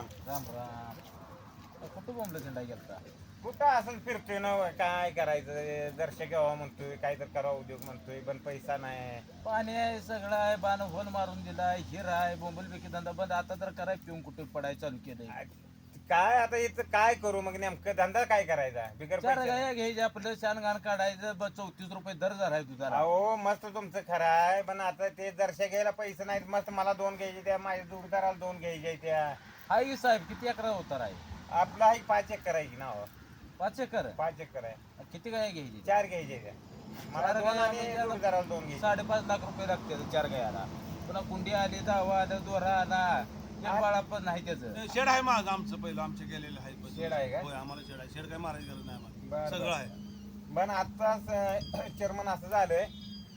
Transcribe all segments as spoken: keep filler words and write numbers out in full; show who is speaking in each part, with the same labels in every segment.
Speaker 1: राम
Speaker 2: राम राम. कुठं बोंबलं झेंडा गेलता?
Speaker 1: कुठं असं फिरतोय ना काय करायचं दर्शक घ्यावा म्हणतोय काय तर करावा उद्योग म्हणतोय पण पैसा नाही.
Speaker 2: पाणी आहे सगळं आहे, बाण होल मारून दिलाय, हिर आहे, बोंबल बेकी धंदा बंद. आता तर कराय पिऊन कुठे पडाय चालू केलंय.
Speaker 1: काय आता इथं काय करू मग नेमकं धंदा काय करायचा बिगर
Speaker 2: चार
Speaker 1: पैशाचा?
Speaker 2: गाया घ्यायचे आपलं शान घाण काढायचं. ब- चौतीस रुपये दर झालाय तुझा.
Speaker 1: अहो मस्त तुमचं खरं आहे पण आता ते दर्शक घ्यायला पैसे नाहीत. मस्त मला दोन घ्यायचे त्या माझ्या जोडदाराला दोन घ्यायचे त्या.
Speaker 2: हाय साहेब किती अकरा होता आहे?
Speaker 1: आपला ही पाच एकर आहे की ना हो?
Speaker 2: पाच एकर.
Speaker 1: पाच एकर आहे.
Speaker 2: किती गाया घ्यायची?
Speaker 1: चार घ्यायचे त्या मला
Speaker 2: चार
Speaker 1: दोन
Speaker 2: गाया
Speaker 1: आणि
Speaker 2: म्हणजे
Speaker 1: जोडदाराला दोन घ्यायचे.
Speaker 2: साडेपाच लाख रुपये लागते चार गायाला. पुन्हा कुंडी आली, दावा आलं, दोरा आला, ते बाळा पण नाही त्याचं.
Speaker 3: शेड आहे माझं आमचं पहिलं आमचे गेलेलं आहे बस.
Speaker 1: शेड आहे का?
Speaker 3: होय आम्हाला शेड आहे. शेड काय मारायची गरज नाही आम्हाला,
Speaker 1: बरं,
Speaker 3: सगळं
Speaker 1: बरं.
Speaker 3: आहे.
Speaker 1: पण आत्ताच चेअरमन असं झालंय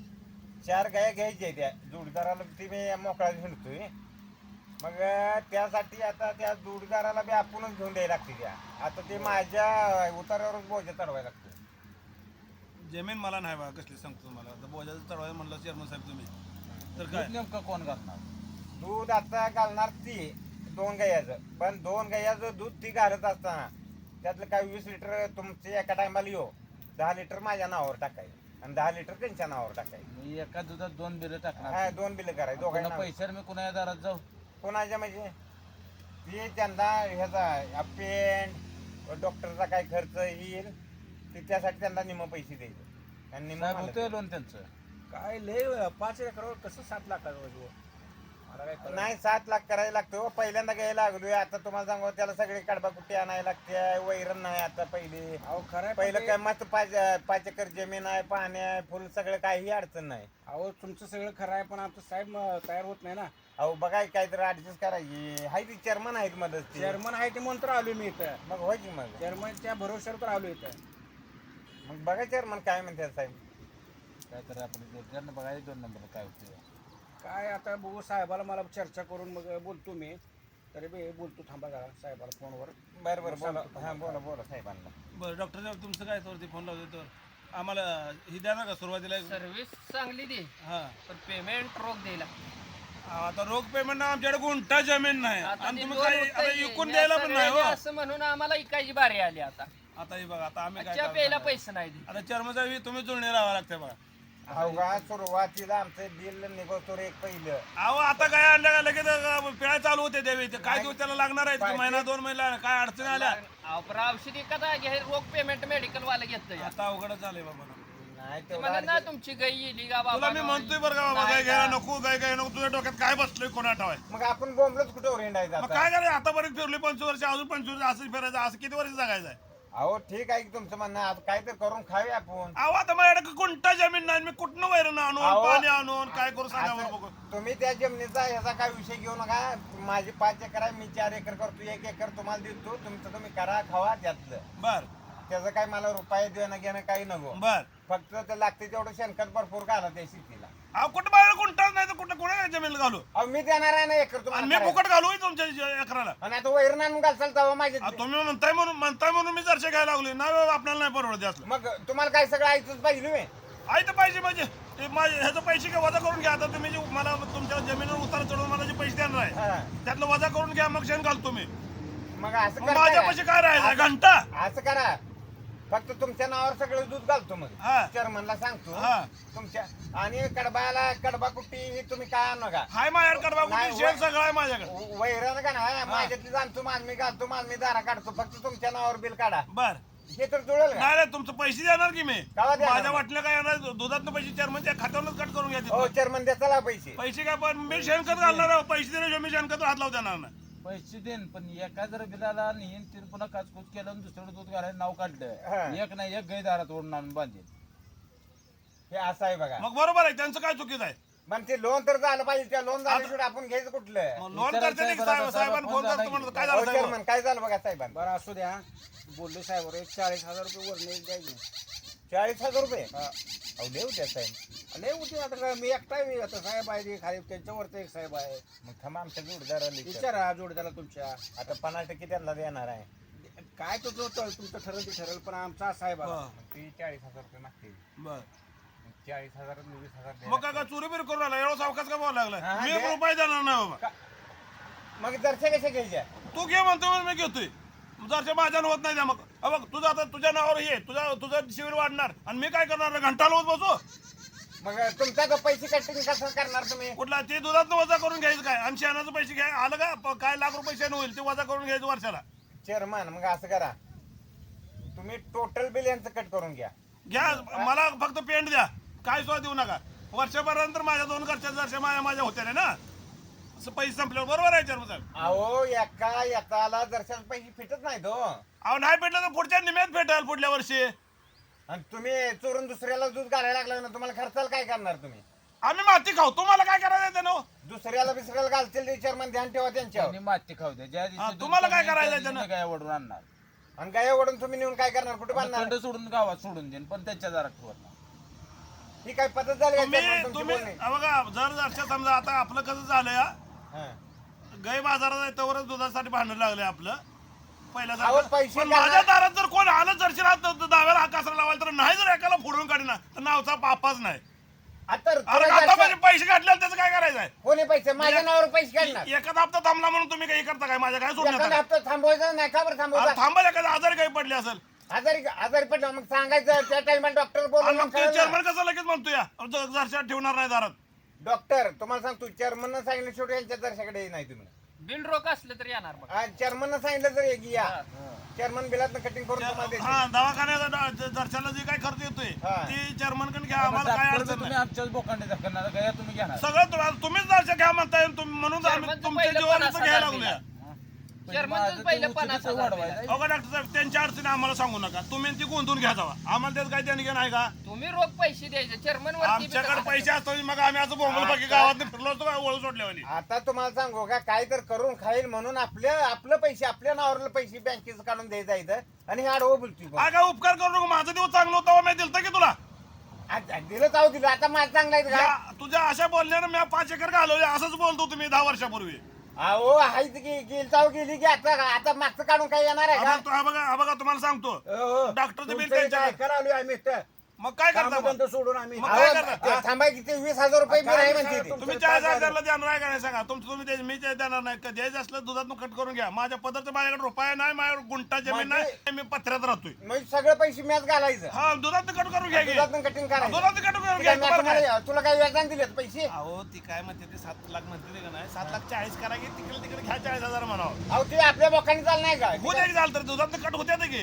Speaker 1: चार गाया घ्यायच्या त्या जोडीदाराला ती मी मोकळा हिंडतोय. मग त्यासाठी आता त्या जोडीदाराला बी आपणच घेऊन द्यायला लागते त्या. आता ते माझ्या उतारावरच बोजा चढवायला लागतो.
Speaker 3: जमीन मला नाही बा कसली सांगतो तुम्हाला. आता बोजाचं चढवायला म्हणलं चेअरमन साहेब तुम्ही तर
Speaker 2: दूध
Speaker 3: काय
Speaker 2: नेमकं कोण घालणार?
Speaker 1: दूध आता घालणार ती दोन गायाचं. पण दोन गायाचं दूध ती घालत असताना त्यातलं काय वीस लिटर तुमचे एका टायमाला येऊ दहा लिटर माझ्या नावावर टाकायचं आणि दहा लिटर त्यांच्या नावावर टाकायचं.
Speaker 2: मी एका दुधात दोन बिलं
Speaker 1: हा
Speaker 2: टाकणार.
Speaker 1: दोन बिल करायचं
Speaker 2: पुन्हा
Speaker 1: दोघांना.
Speaker 2: पैशावर मी कुणा दारात जाऊ?
Speaker 1: कोणाच्या म्हणजे ती त्यांना ह्याचा पेंट डॉक्टरचा काय खर्च येईल ते त्यासाठी त्यांना निम पैसे द्यायचे आणि निम्म
Speaker 2: साहेब
Speaker 1: मला
Speaker 2: होतोय लोन त्यांचं.
Speaker 4: काय लय पाच एकरावर कसं सात लाखाचं वजन? मला काय
Speaker 1: द्यायचं.
Speaker 4: कळलं
Speaker 1: नाही सात लाख करायला लागतो. पहिल्यांदा घ्यायला लागलोय. आता तुम्हाला सांगू त्याला सगळे कडबा कुट्टी आणायला लागते. वैरण नाही आता पहिली.
Speaker 4: अहो खरं आहे,
Speaker 1: पहिलं
Speaker 4: पण
Speaker 1: काय
Speaker 4: ते-
Speaker 1: मस्त पाच पाच एकर जमीन आहे, पाणी आहे, फुल सगळं काही अडचण नाही.
Speaker 4: अहो तुमचं सगळं खरं आहे पण आमचं साहेब म- तयार होत नाही ना.
Speaker 1: अहो बघाय काहीतरी ऍडजस्ट करायची. हाय ती चेअरमन आहेत मदत
Speaker 4: चेअरमन आहे ते म्हणून तर आलोय मी इथं.
Speaker 1: मग व्हायची मग
Speaker 4: चेअरमनच्या भरोश्यावर तर आलो इथं.
Speaker 1: मग बघा चेअरमन काय म्हणतात साहेब.
Speaker 2: काय तर आपण त्यांना बघायचं दोन नंबर काय होते.
Speaker 4: काय आता बघू साहेबाला मला चर्चा करून मग बोलतो मी. तरी बी बोलतो थांबा जरा साहेबाला फोनवर.
Speaker 1: बरं बरं बोला. हा बोला बोला साहेबांना.
Speaker 3: बरं डॉक्टर साहेब तुमचं काय तर फोन लावतो तर आम्हाला ही द्या ना का सुरुवातीला.
Speaker 5: सर्व्हिस चांगली दे
Speaker 3: हा
Speaker 5: पण पेमेंट रोख द्यायला.
Speaker 3: आता रोख पेमेंट आमच्याकडे गुंठा जमीन नाही
Speaker 5: आता
Speaker 3: आणि
Speaker 5: ते
Speaker 3: तुम्ही
Speaker 5: दोन
Speaker 3: काय
Speaker 5: रुपये
Speaker 3: आता
Speaker 5: घे.
Speaker 3: विकून
Speaker 5: या
Speaker 3: द्यायला पण नाही हो.
Speaker 5: सगळ्यांनी असं म्हणून आम्हाला इकायची बारी आली आता.
Speaker 3: आता हे बघा आता आम्ही काय
Speaker 5: चहा
Speaker 3: करणार?
Speaker 5: प्यायला पैसे नाही दे.
Speaker 3: आता चेअरमन साहेब तुम्ही जुळणी लावा लागते बघा.
Speaker 1: अहो का सुरुवातीला आमचं बिल निघतो रे एक पहिलं.
Speaker 3: अहो आता काय आणलं का लगेच पिळा चालू होते देवी ते काय दिवस त्याला लागणार आहे
Speaker 1: पाहिजे.
Speaker 3: महिना दोन महिना काय अडचणी आल्या
Speaker 5: अहो, पण औषधी कदा घे रोख पेमेंट मेडिकल वाला घेतलं
Speaker 3: आता अवघडच झालंय बाबा.
Speaker 1: नाही
Speaker 5: ते
Speaker 1: तेवढं
Speaker 5: म्हणत ना
Speaker 1: अडचण-
Speaker 5: तुमची गाई येली का
Speaker 3: तुला
Speaker 5: बाबा
Speaker 3: मी म्हणतोय बरं का बाबा
Speaker 5: नाही
Speaker 3: काय घ्यायला
Speaker 5: का?
Speaker 3: नको काय काय नको तुझ्या डोक्यात काय बसलोय कोणा ठावाय.
Speaker 1: मग आपण बोंबलच कुठं रेंडायचं
Speaker 3: मग
Speaker 1: आता.
Speaker 3: काय करायचं आतापर्यंत फिरली पंचवीस वर्ष अजून पंचवीस असं फिरायचं असं किती वर्ष जगायचं आहे.
Speaker 1: अहो ठीक आहे की तुमचं म्हणणं आता काय तर करून खाऊया आपण.
Speaker 3: अहो आता माझ्याकडे कोणता जमीन नाही मी कुठनं वैरण आणून
Speaker 1: अहो,
Speaker 3: पाणी आणून काय करू सांगा
Speaker 1: असं-
Speaker 3: बरं बघू.
Speaker 1: तुम्ही त्या जमिनीचा ह्याचा काय विषय घेऊ नका. माझी पाच एकर आहे, मी चार एकर करतो, एक एकर तुम्हाला देतो. तुमचं तुम्ही करा खावा त्यातलं.
Speaker 3: बर
Speaker 1: त्याचं काय मला रुपये देणं घेणं काही नको.
Speaker 3: बर
Speaker 1: फक्त ते लागते तेवढं शेणखत भरपूर घाला त्या शेतीला.
Speaker 3: अहो कुठं बाहेर कोणताच नाही तर कुठं कोणा जमीन घालू
Speaker 1: अहो मी देणार आहे ना एकर
Speaker 3: आणि
Speaker 1: तुम्हाला
Speaker 3: मी
Speaker 1: करायला.
Speaker 3: फुकट घालू होय तुमच्या ज- एकराला.
Speaker 1: आणि आता वैरण आणून घालचाल तेव्हा माझे.
Speaker 3: अहो, तुम्ही म्हणताय म्हणून म्हणताय म्हणून मी जरशे घ्यायला लागलो नाही बाबा, आपल्याला नाही परवडत असलं.
Speaker 1: मग तुम्हाला काय सगळं ऐकूच पाहिजे मी.
Speaker 3: आई तर पाहिजे म्हणजे ते माझे ह्याचं पैसे काय वजा करून घ्या. आता तुम्ही जे मला तुमच्या जमिनीवर उतार चढवून मला जे पैसे देणार आहे
Speaker 1: हा.
Speaker 3: त्यातलं वजा करून घ्या मग शेण घालतो मी.
Speaker 1: मग असं
Speaker 3: मग
Speaker 1: करताय
Speaker 3: माझ्या
Speaker 1: का?
Speaker 3: पैसे काय राहायचं घंटा.
Speaker 1: असं करा फक्त तुमच्या नावावर सगळं दूध घालतो मग
Speaker 3: हा.
Speaker 1: चेअरमनला सांगतो
Speaker 3: हा.
Speaker 1: तुमच्या. आणि कडबाला कडबा कुट्टी ही तुम्ही काय आणू नका.
Speaker 3: हाय माझ्याकडे कडबा
Speaker 1: नाही,
Speaker 3: कुठे शेण सगळं आहे माझ्याकडे.
Speaker 1: व- वैरण का ना माझ्यातली जाणतो माल मी घालतो माल मी दारा काढतो. फक्त तुमच्या नावावर बिल काढा.
Speaker 3: बर
Speaker 1: हे तर जुळेल का?
Speaker 3: नाही नाही तुमचं पैसे देणार की मी
Speaker 1: केव्हा देणार?
Speaker 3: माझ्या वाटलं काय येणार दुधातनं पैसे चेअरमनच्या खात्यावरच कट करून घ्या
Speaker 1: हो
Speaker 3: तिथनं.
Speaker 1: चेअरमन द्या चला पैसे.
Speaker 3: पैसे काय पण मी शेणखत घालणार आहे. पैसे दिल्याशिवाय मी शेणखत हात लावू देणार नाही.
Speaker 2: पैसे देईन पण एका जर बिलाला नेईन तीन पुन्हा काचकूच केलं आणि दुसरं दूध घालायला नाव
Speaker 1: हा.
Speaker 2: काढलं एक नाही एक गाय दारात ओढून आणून बांधेल.
Speaker 1: हे असं आहे बघा.
Speaker 3: मग बरोबर आहे त्यांचं काय चुकीचं आहे.
Speaker 1: पण ते लोन तर झालं पाहिजे. त्या लोन झाल्याशिवाय आपण घ्यायचं कुठलं.
Speaker 3: मग लोन करते नाही साहेब साहेबांना फोन करतो म्हणतो काय
Speaker 1: हो
Speaker 3: झालं साहेब.
Speaker 1: चेअरमन काय झालं बघा साहेबांना.
Speaker 4: बरं असू द्या बोलले साहेब एक चाळीस हजार रुपये वरणे एक द्यायचे.
Speaker 1: चाळीस हजार रुपये
Speaker 4: हा.
Speaker 1: अहो देऊ त्या साहेब.
Speaker 4: लय होती आता काय मी एकटा मी आता साहेब आहे ते खाली त्यांच्यावरचं एक साहेब आहे.
Speaker 1: मग थांबा आमच्या जोडदाराला विचार.
Speaker 4: विचारा जोडीदाराला तुमच्या.
Speaker 1: आता पन्नास टक्के त्यांना देणार आहे.
Speaker 4: काय तो जो तो तुमचं ठरेल ते ठरेल पण आमचा साहेब आहे.
Speaker 3: हा.
Speaker 1: ती चाळीस हजार रुपये मागते.
Speaker 3: बर
Speaker 1: चाळीस हजार वीस हजार द्या.
Speaker 3: मग काय काय चोरी बिरी करून आला एवढा सावकाश का बोलायला
Speaker 1: हा,
Speaker 3: लागलाय. मी
Speaker 1: दे.
Speaker 3: एक रुपये देणार नाही बाबा.
Speaker 1: मग दर्शा कशा घ्यायच्या
Speaker 3: तू घे म्हणतो म्हणून मी घेतोय जरच्या माझ्यानं होत नाही त्या मग अ बघ तुझं आता तुझ्या नावावर हे तुझा तुझं शिबिर वाढणार आणि मी काय करणार घंटा लावत बसू
Speaker 1: मग तुमचा तो पैसे कटिंग कसं करणार तुम्ही
Speaker 3: कुठला ते दुधात वजा करून घ्यायचं काय आणि शेणाचं पैसे घ्याय आलं का प- काय लाख रुपये शेण होईल ते वजा करून घ्यायचं वर्षाला
Speaker 1: चेअरमन मग असं करा तुम्ही टोटल बिल यांचं कट करून घ्या
Speaker 3: घ्या मला फक्त पेंट द्या काय सुद्धा देऊ नका वर्षभरानंतर माझ्या दोन घरच्या जरशा माझ्या माझ्या होत्या ना असं पैसे संपल्यावर बरोबर आहे चेअरमन साहेब
Speaker 1: अहो एका एकाला दर्शन पैसे फिटत नाही तो
Speaker 3: अहो नाही भेटलं तर पुढच्या निम्यात भेटेल पुढल्या वर्षी
Speaker 1: आणि तुम्ही चोरून दुसऱ्याला दूध घालायला लागला ना तुम्हाला खर्चाला काय करणार तुम्ही
Speaker 3: आम्ही माती खाऊ तुम्हाला काय करायचं त्यानं
Speaker 1: दुसऱ्याला बिसऱ्याला घालतील ते चेअरमन ध्यान ठेवा त्यांच्यावर
Speaker 2: त्यांनी माती खाऊ द्या ज्या
Speaker 3: हा,
Speaker 2: दिवशी
Speaker 3: तुम्हाला
Speaker 2: दूध
Speaker 3: काय
Speaker 2: कमी
Speaker 3: करायचं
Speaker 2: त्या दिवशी
Speaker 3: त्यानं?
Speaker 2: गाय ओढून आणणार
Speaker 1: आणि गाय ओढून तुम्ही नेऊन काय करणार कुठे बांधणार
Speaker 2: खंड सोडून गावात सोडून देईन पण त्यांच्या जरा ठेवणार
Speaker 1: ही काय पद्धत झाली का
Speaker 3: तुम्ही
Speaker 1: chairman तुमची
Speaker 3: तुम्ही
Speaker 1: बोलणी?
Speaker 3: हा बघा जर जरशा समजा आता आपलं कसं झालंय हा,
Speaker 1: हा.
Speaker 3: गाय बाजारात आहे तवरच दुधासाठी भांडण लागले आपलं
Speaker 1: अहो,
Speaker 3: पहिल्यासारखं
Speaker 1: पैसे
Speaker 3: पण
Speaker 1: घाला.
Speaker 3: माझ्या दारात जर कोण आलं जरशी राहत दाव्याला हा कासरा लावायला तर नाही जर एकाला फोडून काढिना तर नावचा पापाच नाही
Speaker 1: आता
Speaker 3: अरे
Speaker 1: तुला
Speaker 3: आता
Speaker 1: दर्शन-
Speaker 3: माझे पैसे काढले त्याचं काय करायचं आहे
Speaker 1: कोणी पैसे माझ्या नावावर पैसे काढणार
Speaker 3: एखादा हप्ता थांबला म्हणून तुम्ही काही करता काय माझ्या काय सोडून
Speaker 1: एखादा
Speaker 3: येता?
Speaker 1: हप्ता थांबवायचा नाही का बरं
Speaker 3: अरे
Speaker 1: थांबवायचा
Speaker 3: थांबा एखादा आजारी काही पडले असेल
Speaker 1: आजारी आजारी पडलं मग सांगायचं त्या टाइमला डॉक्टर
Speaker 3: आणि
Speaker 1: बोलून
Speaker 3: मग ते चेअरमन कसं लगेच म्हणतो या जरशा ठेवणार नाही दारात
Speaker 1: डॉक्टर तुम्हाला सांगतो चेअरमन सांगितलं शेवटी यांच्या दर्शकडे नाही तुम्ही
Speaker 5: बिल रोख असलं तर येणार बघ
Speaker 1: चेअरमन सांगितलं तर एक या चेअरमन बिलात कटिंग करून तुम्हाला देतील.
Speaker 3: हा दवाखान्याचा दर्शनाला जे काय खर्च येतोय
Speaker 1: हा.
Speaker 3: ते चेअरमन कडे घ्या आम्हाला काय
Speaker 2: डॉक्टर
Speaker 3: अडचण
Speaker 2: तुम्ही
Speaker 3: नाही
Speaker 2: आमच्याच बोकांडे दाखवणार गाय तुम्ही घेणार
Speaker 3: सगळं तुम्हाला तुम्हीच दर्शन घ्या म्हणताय तुम्ही म्हणून आम्ही
Speaker 5: चेअरमनचं
Speaker 3: तुमच्या
Speaker 5: पहिलं
Speaker 3: जीवावर
Speaker 5: पन्नास
Speaker 3: घ्यायला
Speaker 5: हजार
Speaker 3: लागलोय
Speaker 5: चेअरमनचं पहिलं पन्नास हजार
Speaker 2: वाढवायचं
Speaker 3: अगं डॉक्टर साहेब त्यांच्या अडचणी आम्हाला सांगू नका तुम्ही ती गुंतून घ्या जावा आम्हाला त्यात काय देणं घेणं आहे का
Speaker 5: तुम्ही रोख पैसे द्यायचे चेअरमन
Speaker 3: आमच्याकडे पैसे असतो मग आम्ही असं बोंबल बाकी गावात फिरलो असतो काय ओळख सोडल्यावानी
Speaker 1: आता तुम्हाला सांगू का काय तर करून खाईल म्हणून आपल्या आपलं पैसे आपल्या नावावरले पैसे बँकेचं काढून द्यायचं इथं आणि हे आडवं बोलतोय
Speaker 3: हा काय उपकार करू नको माझा दिवस चांगला होता मी दिलतं की तुला
Speaker 1: आज दिलं चाव दिलं आता माझं चांगलं आहे का
Speaker 3: या- तुझ्या अशा बोलण्यानं मी पाच एकर घालवले असंच बोलतो तुम्ही दहा वर्षापूर्वी
Speaker 1: अहो हायच की गेल चाव गेली की आता आता मागचं काढून काय येणार आहे
Speaker 3: हा
Speaker 1: का
Speaker 3: बघ, हा बघा हा बघा तुम्हाला सांगतो डॉक्टरचं बिल त्यांच्याकडे.
Speaker 4: ऐकायला आलोय आम्ही इथं.
Speaker 3: मग काय करता मग?
Speaker 4: कामधंदा सोडून आम्ही
Speaker 3: मग
Speaker 1: अहो,
Speaker 3: काय करणार?
Speaker 1: ते थांबाय किती वीस हजार रुपये बिल आहे म्हणते ती.
Speaker 3: तुम्ही चाळीस हजारला देणार आहे का नाही सांगा तुमचं तुम्ही द्यायचं, मी ते देणार नाही का द्यायचं असलं दुधातून कट करून घ्या माझ्या पदार्थ माझ्याकडे रुपया नाही माझ्याकडे गुंटा जमीन नाही मी पत्र्यात राहतोय
Speaker 1: मग सगळं पैसे मॅच घालायचं
Speaker 3: हा दुधात कट करून घ्या की.
Speaker 1: दुधातून कटिंग करायचं
Speaker 3: दुधात कट करून
Speaker 1: ती
Speaker 3: घ्या
Speaker 1: काय
Speaker 3: तुम्हाला काय?
Speaker 1: तुम्हाला- तुला काही व्याजान दिलेत पैसे
Speaker 3: अहो ती काय म्हणते ते सात लाख म्हणते ते का नाही सात लाख चाळीस करा की तिकडे तिकडे घ्या चाळीस हजार म्हणावं
Speaker 1: अहो ते आपल्या बोकांनी चाल नाही का
Speaker 3: हो द्यायची झालं तर दुधात कट होत्या की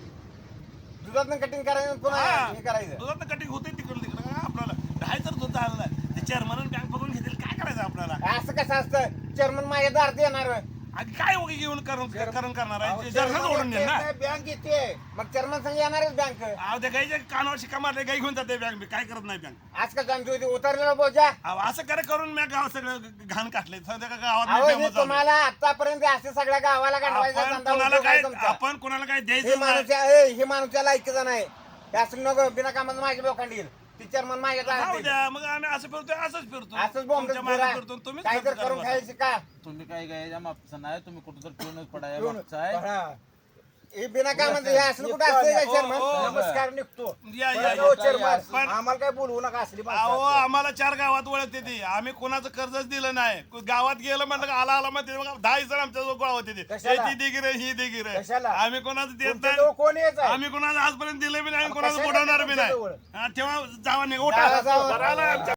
Speaker 1: दुधातून कटिंग करायचं पुन्हा
Speaker 3: हा
Speaker 1: हे करायचं
Speaker 3: दुधात कटिंग होते तिकडे तिकडे काय आपल्याला ढाय तर दूध झालं नाही ते चेअरमन बँक बघून घेतील काय करायचं आपल्याला
Speaker 1: असं कसं असतं चेअरमन माझ्या दारात येणार
Speaker 3: आणि काय उगी घेऊन करून करून करणार आहे जरखाच ओढून देईल ना
Speaker 1: बँक येते मग चेअरमन संग येणारच बँक
Speaker 3: अहो त्या गाईच्या कानावर शिक्का मारले गाई घेऊन जाते बँक काय करत नाही बँक
Speaker 1: आज का जाणतो उतरलेला बोजा
Speaker 3: अहो असं करे करून मी गाव सगळं घाण काढले सध्या का गावात
Speaker 1: अहो
Speaker 3: मी
Speaker 1: हे
Speaker 3: famous झालो.
Speaker 1: तुम्हाला आतापर्यंत असे सगळ्या गावाला गांडवायचा
Speaker 3: आपण
Speaker 1: धंदा
Speaker 3: कोणाला
Speaker 1: उद्योग
Speaker 3: काय
Speaker 1: आहे तुमचा.
Speaker 3: आपण कोणाला काय
Speaker 1: हे
Speaker 3: द्यायचं नाही
Speaker 1: माणूस ए, हे माणूसच्या लायकीचा नाही हे असं नको बिना कामाचं माझ्या बोकांडी येईल ती चेअरमन माझ्या
Speaker 3: राहू
Speaker 1: दारात येईल.
Speaker 3: द्या मग आम्ही असं फिरतोय असंच फिरतो
Speaker 1: असंच बॉम्ब
Speaker 3: तुमच्या मागे फिरतो तुम्हीच
Speaker 1: काय तर
Speaker 3: खर्च
Speaker 1: करून
Speaker 3: करा.
Speaker 1: खायची का
Speaker 2: तुम्ही काय गायच्या मागचं नाही तुम्ही कुठं तर पिऊनच पडाय
Speaker 1: पिऊन-
Speaker 2: मागचं आहे
Speaker 1: हा. हे बिना कामाचं हे असलं कुठं असतंय का
Speaker 3: हो,
Speaker 1: चेअरमन
Speaker 3: हो.
Speaker 4: नमस्कार निघतो
Speaker 3: या, या,
Speaker 4: बरं,
Speaker 3: या.
Speaker 4: हो, चेअरमन.
Speaker 3: पण-
Speaker 4: आम्हाला काय बोलवू नका असली
Speaker 3: अहो
Speaker 4: माणसं.
Speaker 3: आम्हाला चार गावात ओळखते ती आम्ही कोणाचं कर्जच दिलं नाही गावात गेलं म्हणलं का आला आला म्हणते बघा, दहा जण आमच्या गोळा होते ते
Speaker 4: कशाला?
Speaker 3: ती दिगी रे ही दिगी रे
Speaker 4: कशाला?
Speaker 3: आम्ही कोणाचं देत
Speaker 4: तुमच्या
Speaker 3: नाही
Speaker 4: जवळ कोण यायचं आहे?
Speaker 3: आम्ही कोणाचं आजपर्यंत दिलं बी नाही आणि
Speaker 4: मग
Speaker 3: कोणाचं
Speaker 4: कशाला
Speaker 3: बुडवणार बी
Speaker 4: तुमच्या
Speaker 3: नाही
Speaker 4: जवळ?
Speaker 3: हा, तेव्हा जावा नाही
Speaker 1: जावा,
Speaker 3: उठा
Speaker 1: जावा.
Speaker 3: बरं आला आमच्या